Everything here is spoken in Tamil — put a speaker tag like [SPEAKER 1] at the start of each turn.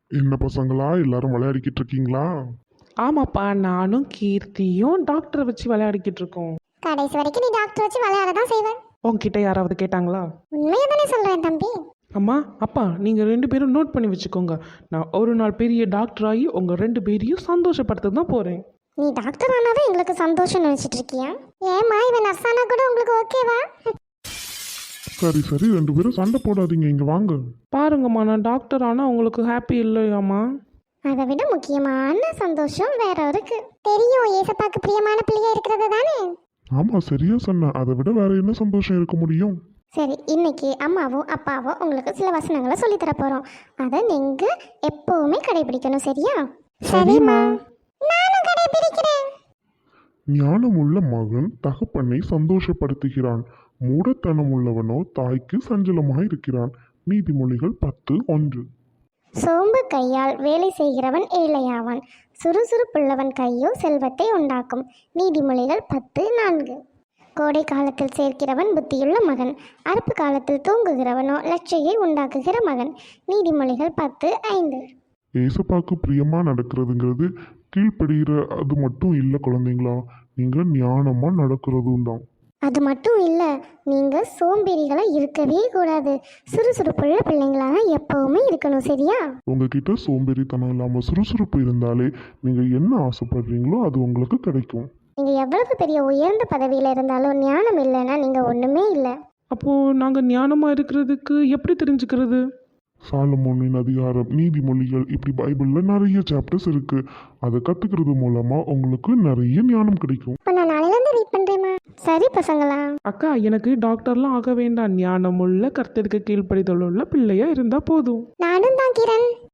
[SPEAKER 1] என்ன பசங்களா எல்லாரும் விளையாடிக்கிட்டு இருக்கீங்களா?
[SPEAKER 2] ஆமாப்பா, நானும் கீர்த்தியும் டாக்டரை வச்சு விளையாடிக்கிட்டு இருக்கோம்.
[SPEAKER 3] கடைசி வரைக்கும் நீ டாக்டர் வச்சு விளையாட தான் செய்வேன்.
[SPEAKER 2] உங்ககிட்ட யாராவது கேட்டாங்களா?
[SPEAKER 3] உண்மையை தானே சொல்றேன் தம்பி.
[SPEAKER 2] அம்மா அப்பா, நீங்கள் 2 பேரும் நோட் பண்ணி வச்சுக்கோங்க. நான் ஒரு நாள் பெரிய டாக்டர் ஆகி உங்கள் 2 பேரையும் சந்தோஷப்படுத்த தான் போகிறேன்.
[SPEAKER 3] நீ டாக்டர் ஆனாவே எங்களுக்கு சந்தோஷம் நினைச்சிட்டு இருக்கியா? ஏமா இவன் நர்ஸ் ஆனா கூட உங்களுக்கு ஓகேவா?
[SPEAKER 1] சரி சரி, 2 பேரும் சண்டை போடாதீங்க, இங்க வாங்க.
[SPEAKER 2] பாருங்கம்மா, நான் டாக்டர் ஆனால் உங்களுக்கு ஹாப்பி இல்லையாம்மா?
[SPEAKER 3] அதை விட முக்கியமான சந்தோஷம் வேற இருக்கு. தெரியும், ஏசப்பாக்கு பிரியமான பிள்ளையா இருக்கிறது தானே.
[SPEAKER 1] ஆமா, சரியா சொன்ன. அதை விட வேற என்ன சந்தோஷம் இருக்க முடியும்?
[SPEAKER 3] சரி, இன்னைக்கு அம்மாவும் அப்பாவும் உங்களுக்கு சில வசனங்களை சொல்லித் தர போறோம். அதை நீங்க எப்பவுமே கடைபிடிக்கணும், சரியா?
[SPEAKER 2] சரிம்மா.
[SPEAKER 3] நானும் கடைபிடிக்கிறேன்.
[SPEAKER 1] ஞானமுள்ள மகன் தகப்பனை சந்தோஷப்படுத்துகிறான், மூடத்தனம் உள்ளவனோ தாய்க்கு சஞ்சலமாய் இருக்கிறான். நீதிமொழிகள் 10:1.
[SPEAKER 3] சோம்பு கையால் வேலை செய்கிறவன் ஏழையாவான், சுறுசுறுப்புள்ளவன் கையோ செல்வத்தை உண்டாக்கும். நீதிமொழிகள் 10:4. கோடை காலத்தில் சேர்க்கிறவன் புத்தியுள்ள மகன், அறுப்பு காலத்தில் தூங்குகிறவனோ லட்சையை உண்டாக்குகிற மகன். நீதிமொழிகள் 10:5.
[SPEAKER 1] ஏசப்பாக்கு பிரியமா நடக்கிறதுங்கிறது கீழ்ப்படுகிற அது மட்டும் இல்லை குழந்தைங்களா, நீங்க ஞானமா நடக்கிறதும் தான்.
[SPEAKER 3] அது மட்டும் இல்லை, நீங்கள் சோம்பேறிகளாக இருக்கவே கூடாது. சுறுசுறுப்புள்ள பிள்ளைங்களாக எப்பவுமே இருக்கணும், சரியா?
[SPEAKER 1] உங்ககிட்ட சோம்பேறித்தனம் இல்லாம சுறுசுறுப்பு இருந்தாலே நீங்க என்ன ஆசைப்படுறீங்களோ அது உங்களுக்கு கிடைக்கும்.
[SPEAKER 3] நீங்கள் எவ்வளவு பெரிய உயர்ந்த பதவியில் இருந்தாலும் ஞானம் இல்லைன்னா நீங்கள் ஒன்றுமே இல்லை.
[SPEAKER 2] அப்போது நாங்கள் ஞானமாக இருக்கிறதுக்கு எப்படி தெரிஞ்சுக்கிறது?
[SPEAKER 1] சாலமோனின் அதிகாரம், நீதிமொழிகள், இப்படி பைபிள்ல நிறைய சாப்டர்ஸ் இருக்கு. அதை கத்துக்கிறது மூலமா உங்களுக்கு நிறைய ஞானம் கிடைக்கும்.
[SPEAKER 3] இப்போ நான் நாளையிலேருந்து ரீட் பண்ணுறேம்மா. சரி பசங்களா?
[SPEAKER 2] அக்கா, எனக்கு டாக்டர்லாம் ஆக வேண்டாம். ஞானமுள்ள கர்த்தருக்கு கீழ்ப்படிதல் உள்ள பிள்ளையா இருந்தால் போதும்.
[SPEAKER 3] நானும் தான் கிரண்.